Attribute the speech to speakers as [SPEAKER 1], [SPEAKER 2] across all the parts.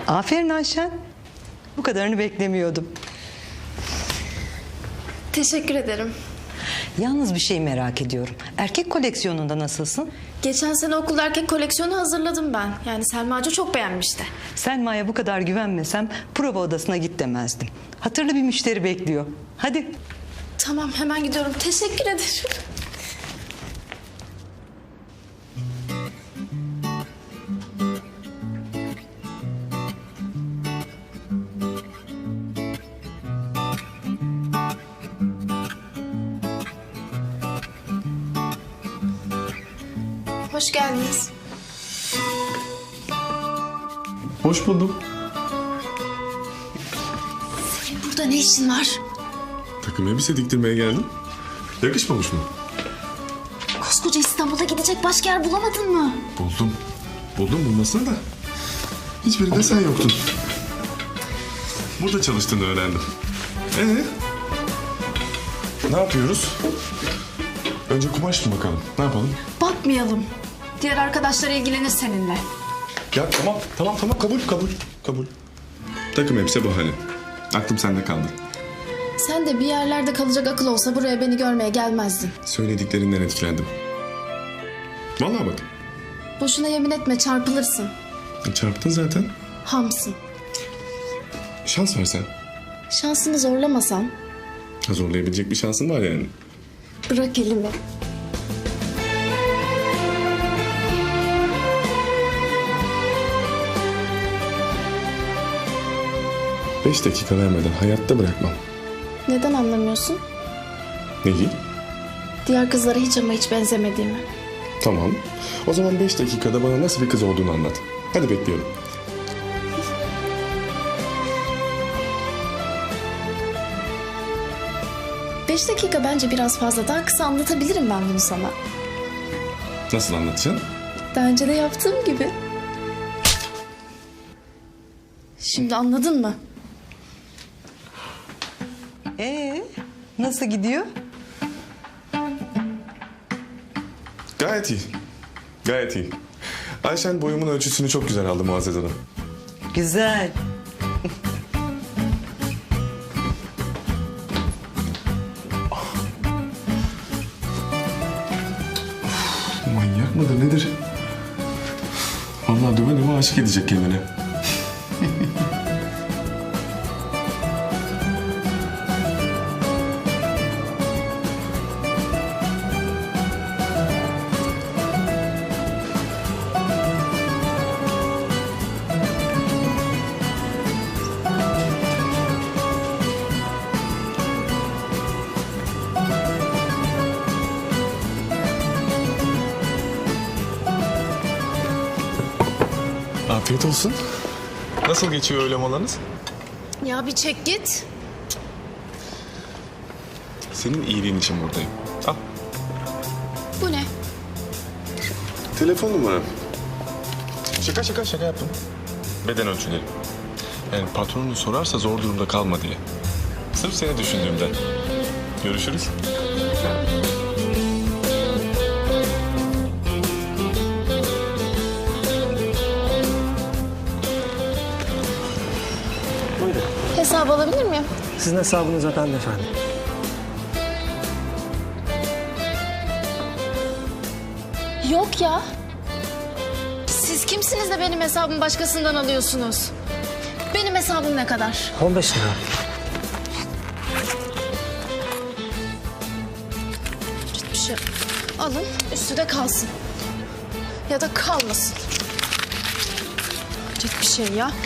[SPEAKER 1] Aferin Ayşen. Bu kadarını beklemiyordum.
[SPEAKER 2] Teşekkür ederim.
[SPEAKER 1] Yalnız bir şey merak ediyorum. Erkek koleksiyonunda nasılsın?
[SPEAKER 2] Geçen sene okulda erkek koleksiyonu hazırladım ben. Yani Selma Hoca çok beğenmişti.
[SPEAKER 1] Selma'ya bu kadar güvenmesem prova odasına git demezdim. Hatırlı bir müşteri bekliyor. Hadi.
[SPEAKER 2] Tamam, hemen gidiyorum. Teşekkür ederim. Hoş geldiniz.
[SPEAKER 3] Hoş buldum.
[SPEAKER 2] Senin burada ne işin var?
[SPEAKER 3] Takım elbise diktirmeye geldim. Yakışmamış mı?
[SPEAKER 2] Koskoca İstanbul'a gidecek başka yer bulamadın mı?
[SPEAKER 3] Buldum. Buldum bulmasını da. Hiçbirinde sen yoktun. Burada çalıştığını öğrendim. Ne yapıyoruz? Önce kumaş mı bakalım? Ne yapalım?
[SPEAKER 2] Bakmayalım. Diğer arkadaşlar ilgilenir seninle.
[SPEAKER 3] Ya tamam kabul. Takım elbise bahane. Aklım sende kaldı.
[SPEAKER 2] Sen de bir yerlerde kalacak akıl olsa buraya beni görmeye gelmezdin.
[SPEAKER 3] Söylediklerinden etkilendim. Vallahi bak.
[SPEAKER 2] Boşuna yemin etme, çarpılırsın.
[SPEAKER 3] Çarptın zaten.
[SPEAKER 2] Hamsın.
[SPEAKER 3] Şans versen.
[SPEAKER 2] Şansını zorlamasan
[SPEAKER 3] Zorlayabilecek bir şansın var yani.
[SPEAKER 2] bırak elimi.
[SPEAKER 3] Beş dakika vermeden hayatta bırakmam.
[SPEAKER 2] Neden anlamıyorsun?
[SPEAKER 3] Neyi?
[SPEAKER 2] Diğer kızlara hiç ama hiç benzemediğimi.
[SPEAKER 3] Tamam. O zaman 5 dakikada bana nasıl bir kız olduğunu anlat. Hadi bekliyorum.
[SPEAKER 2] Beş dakika bence biraz fazla. Daha kısa anlatabilirim ben bunu sana.
[SPEAKER 3] Nasıl anlatacaksın?
[SPEAKER 2] Daha önce de yaptığım gibi. Şimdi anladın mı?
[SPEAKER 1] Nasıl gidiyor?
[SPEAKER 3] Gayet iyi. Gayet iyi. Ayşen boyumun ölçüsünü çok güzel aldı Muazzez Hanım.
[SPEAKER 1] Güzel.
[SPEAKER 3] Manyak mıdır nedir? Vallahi döve döve aşık edecek kendine. Afiyet olsun. Nasıl geçiyor öğle molanız?
[SPEAKER 2] Ya bir çek git.
[SPEAKER 3] Senin iyiliğin için buradayım. Al.
[SPEAKER 2] Bu ne?
[SPEAKER 3] Telefon numaram. Şaka yaptım. Beden ölçüleri. Yani patronunu sorarsa zor durumda kalma diye. Sırf seni düşündüğümden. Görüşürüz.
[SPEAKER 4] Buyurun.
[SPEAKER 2] Hesabı alabilir miyim?
[SPEAKER 4] Sizin hesabınız efendim efendim.
[SPEAKER 2] Yok ya. Siz kimsiniz de benim hesabımı başkasından alıyorsunuz? Benim hesabım ne kadar?
[SPEAKER 4] 15 lira.
[SPEAKER 2] Bir şey alın, üstü de kalsın. Ya da kalmasın. Tek bir şey ya.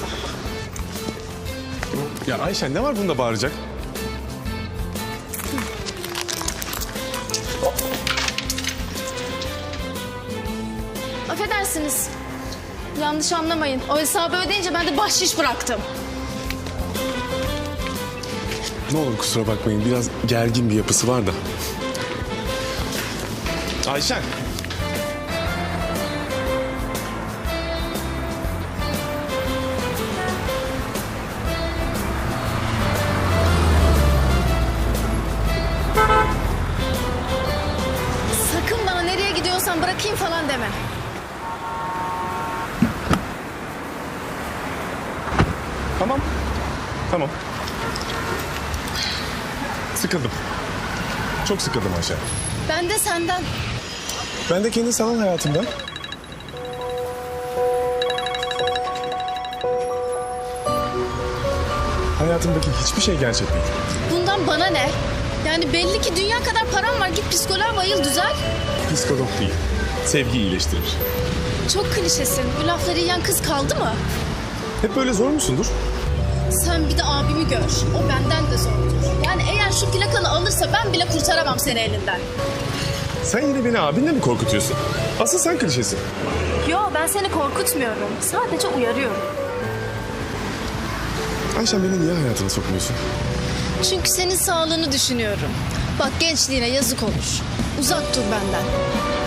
[SPEAKER 3] Ya Ayşen ne var bunda bağıracak?
[SPEAKER 2] Affedersiniz. Yanlış anlamayın. O hesabı ödeyince ben de bahşiş bıraktım.
[SPEAKER 3] Ne olur kusura bakmayın biraz gergin bir yapısı var da. Ayşen.
[SPEAKER 2] Sakın bana nereye gidiyorsan bırakayım falan deme.
[SPEAKER 3] Tamam. Sıkıldım. Çok sıkıldım Ayşe.
[SPEAKER 2] Ben de senden.
[SPEAKER 3] Ben de kendi sanal hayatımdan. Hayatımdaki hiçbir şey gerçek değil.
[SPEAKER 2] Bundan bana ne? Yani belli ki dünya kadar param var. Git psikoloğa bayıl, düzel.
[SPEAKER 3] Psikolog değil. Sevgi iyileştirir.
[SPEAKER 2] Çok klişesin. Bu lafları yiyen kız kaldı mı?
[SPEAKER 3] Hep böyle zor musundur?
[SPEAKER 2] Sen bir de abimi gör. O benden de zordur. Yani eğer şu plakanı alırsa ben bile kurtaramam seni elinden.
[SPEAKER 3] Sen yine beni abinle mi korkutuyorsun? Asıl sen klişesin.
[SPEAKER 2] Yo, ben seni korkutmuyorum. Sadece uyarıyorum.
[SPEAKER 3] Ayşen, beni niye hayatına sokmuyorsun?
[SPEAKER 2] Çünkü senin sağlığını düşünüyorum. Bak, gençliğine yazık olur. Uzak dur benden.